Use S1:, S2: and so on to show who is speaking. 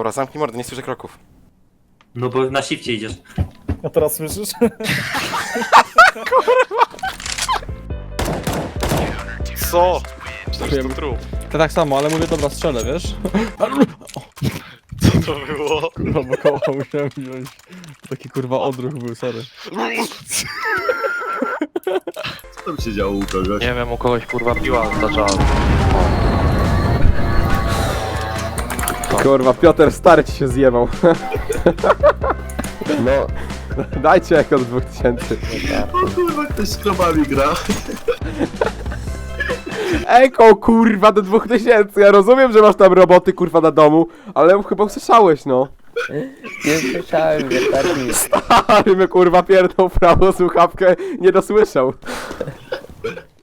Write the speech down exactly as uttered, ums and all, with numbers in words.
S1: Dobra, zamknij mordę, nie słyszę kroków.
S2: No bo na shifcie idziesz.
S3: A teraz słyszysz?
S1: Co? Przecież to trup.
S3: To tak samo, ale mówię, dobra, strzelę, wiesz?
S1: Co to było?
S3: Kurwa, bo koła musiałem wziąć. Taki kurwa odruch był, sorry.
S4: Co tam się działo u kogoś?
S5: Nie wiem, u kogoś kurwa piła zaczęła.
S6: Kurwa, Piotr stary ci się zjebał. No, dajcie jak od dwóch tysięcy.
S4: O kurwa, ktoś z krowami gra.
S6: Eko, kurwa, do dwóch tysięcy. Ja rozumiem, że masz tam roboty, kurwa, na domu, ale chyba usłyszałeś, no.
S7: Nie słyszałem, wystarczy mi.
S6: Stary my, kurwa, pierdol w prawo słuchawkę, nie dosłyszał.